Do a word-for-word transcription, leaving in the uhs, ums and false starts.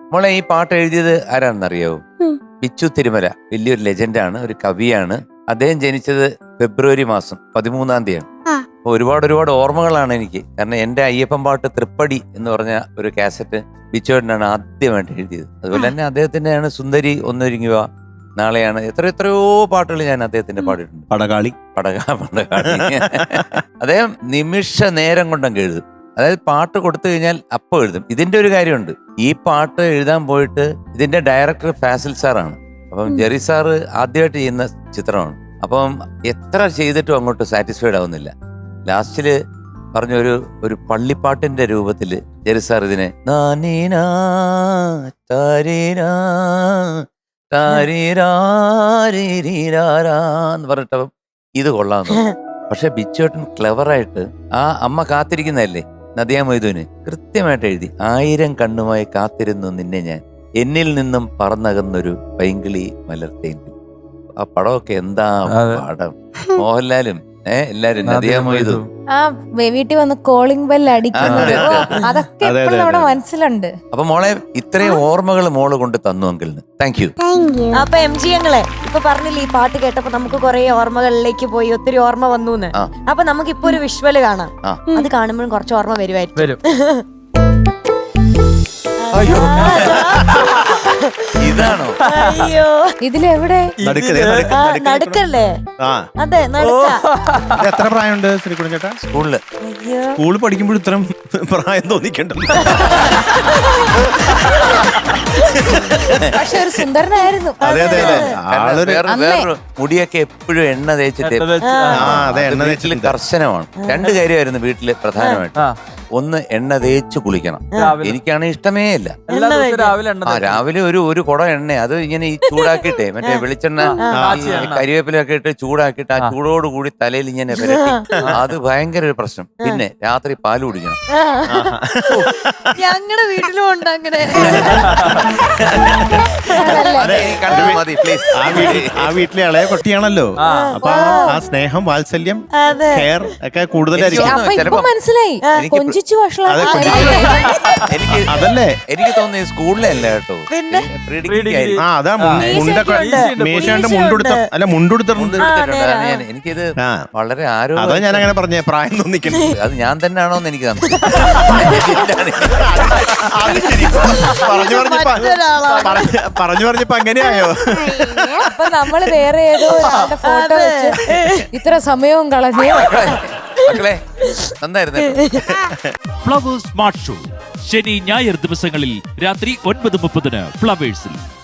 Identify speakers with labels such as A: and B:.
A: മോളെ ഈ പാട്ട് എഴുതിയത് ആരാണെന്നറിയോ? ബിച്ചു തിരുമല. വലിയൊരു ലെജൻഡാണ്, ഒരു കവിയാണ്. അദ്ദേഹം ജനിച്ചത് ഫെബ്രുവരി മാസം പതിമൂന്നാം തീയതിയാണ്. അപ്പൊ ഒരുപാട് ഒരുപാട് ഓർമ്മകളാണ് എനിക്ക്. കാരണം എന്റെ അയ്യപ്പൻ പാട്ട് തൃപ്പടി എന്ന് പറഞ്ഞ ഒരു കാസറ്റ് ബിച്ചുവേട്ടനാണ് ആദ്യമായിട്ട് എഴുതിയത്. അതുപോലെ തന്നെ അദ്ദേഹത്തിന്റെയാണ് സുന്ദരി ഒന്നൊരുങ്ങുക, നാളെയാണ്, എത്ര എത്രയോ പാട്ടുകൾ ഞാൻ അദ്ദേഹത്തിന്റെ പാടിയിട്ടുണ്ട്.
B: പടകാളി
A: പടകാ പടകാളി അദ്ദേഹം നിമിഷ നേരം കൊണ്ടങ്ങ് എഴുതും. അതായത് പാട്ട് കൊടുത്തു കഴിഞ്ഞാൽ അപ്പം എഴുതും. ഇതിന്റെ ഒരു കാര്യമുണ്ട്, ഈ പാട്ട് എഴുതാൻ പോയിട്ട് ഇതിന്റെ ഡയറക്ടർ ഫാസിൽ സാറാണ്. അപ്പം ജെറി സാറ് ആദ്യമായിട്ട് ചെയ്യുന്ന ചിത്രമാണ്. അപ്പം എത്ര ചെയ്തിട്ടും അങ്ങോട്ട് സാറ്റിസ്ഫൈഡ് ആവുന്നില്ല. ലാസ്റ്റില് പറഞ്ഞൊരു ഒരു പള്ളിപ്പാട്ടിന്റെ രൂപത്തില് ജെറി സാർ ഇതിനെ നാനീനാ താരീനാ താരീരാരീരാരാന്ന് പറഞ്ഞിട്ടപ്പം ഇത് കൊള്ളാന്ന്. പക്ഷെ ബിച്ചുവേട്ടൻ ക്ലെവറായിട്ട് ആ അമ്മ കാത്തിരിക്കുന്നതല്ലേ നദിയ മൊയ്തുവിന് കൃത്യമായിട്ട് എഴുതി. ആയിരം കണ്ണുമായി കാത്തിരുന്നു നിന്നെ ഞാൻ, എന്നിൽ നിന്നും പറന്നകന്നൊരു പൈങ്കിളി മലർത്തേങ്കിൽ. ആ പടമൊക്കെ എന്താ പാടം. മോഹൻലാലും ഏഹ് എല്ലാരും നദിയ മൊയ്തു
C: ആ വീട്ടിൽ വന്ന് കോളിംഗ് ബെൽ അടിക്കുന്നത് അതൊക്കെ നമ്മുടെ മനസ്സിലുണ്ട്.
A: അപ്പൊ മോളെ ഇത്രയും ഓർമ്മകൾ മോള് കൊണ്ട് തന്നു അങ്കിളിന്. Thank you.
D: അപ്പൊ എം ജി ഞങ്ങളെ ഇപ്പൊ പറഞ്ഞില്ലേ, ഈ പാട്ട് കേട്ടപ്പോ നമുക്ക് കുറെ ഓർമ്മകളിലേക്ക് പോയി, ഒത്തിരി ഓർമ്മ വന്നു. അപ്പൊ നമുക്ക് ഇപ്പൊ ഒരു വിഷ്വല് കാണാം. അത് കാണുമ്പോഴും കുറച്ച് ഓർമ്മ വരുമായിരിക്കും.
A: അയ്യോ ഇതാണോ?
D: അയ്യോ
C: ഇതിലെവിടെ
D: നടുക്കല്ലേ? അതെ നടുക്ക.
B: എത്ര പ്രായമുണ്ട് ശ്രീകുടൻ ചേട്ടാ?
A: സ്കൂളില്
B: സ്കൂളിൽ പഠിക്കുമ്പോൾ ഇത്രയും പ്രായം തോന്നിക്കണ്ടല്ലോ.
C: പക്ഷെ ഒരു സുന്ദരനായിരുന്നു.
B: അതെ അതെ അതെ.
A: വേറൊരു മുടിയൊക്കെ എപ്പോഴും എണ്ണ തേച്ചിട്ട് വീട്ടില് കർശനമാണ്. രണ്ട് കാര്യമായിരുന്നു വീട്ടില് പ്രധാനമായിട്ട്. ഒന്ന് എണ്ണ തേച്ച് കുളിക്കണം. എനിക്കാണെങ്കിൽ ഇഷ്ടമേ ഇല്ല. ആ രാവിലെ ഒരു ഒരു കുടം എണ്ണ അത് ഇങ്ങനെ ഈ ചൂടാക്കിയിട്ടേ മറ്റേ വെളിച്ചെണ്ണ കരിവേപ്പിലൊക്കെ ഇട്ട് ചൂടാക്കിയിട്ട് ആ ചൂടോട് കൂടി തലയിൽ ഇങ്ങനെ പുരട്ടി, അത് ഭയങ്കര ഒരു പ്രശ്നം. പിന്നെ രാത്രി പാല് കുടിക്കണം.
D: ഞങ്ങളുടെ വീട്ടിലും ഉണ്ട് അങ്ങനെ.
B: ആ വീട്ടിലെ ഇളയ കുട്ടിയാണല്ലോ, അപ്പൊ ആ സ്നേഹം വാത്സല്യം കെയർ ഒക്കെ കൂടുതലായിരിക്കും.
C: മനസ്സിലായി
B: അതല്ലേ
A: എനിക്ക് തോന്നുന്നു സ്കൂളിലെ അല്ല കേട്ടോ.
B: ആ അതാ മുണ്ടൊക്കെ മേശാണ്ട് മുണ്ടെടുത്ത അല്ല മുണ്ടെടുത്തിട്ടുണ്ട്.
A: എനിക്കിത് വളരെ ആരോഗ്യം.
B: അതാ ഞാൻ അങ്ങനെ പറഞ്ഞേ, പ്രായം തോന്നിക്കുന്നു.
A: അത് ഞാൻ തന്നെയാണോന്ന് എനിക്ക്
B: പറഞ്ഞു പറഞ്ഞു പറഞ്ഞപ്പോ അങ്ങനെയായോ?
C: അപ്പൊ നമ്മള് വേറെ ഏതോ ഫോട്ടോ വെച്ച് ഇത്ര സമയവും കളഞ്ഞു.
A: മക്കളെ നന്നായിരുന്നു.
E: ഫ്ലവേഴ്സ് സ്മാർട്ട് ഷോ ശനി ഞായർ ദിവസങ്ങളിൽ രാത്രി ഒൻപത് മുപ്പതിന് ഫ്ലവേഴ്സിൽ.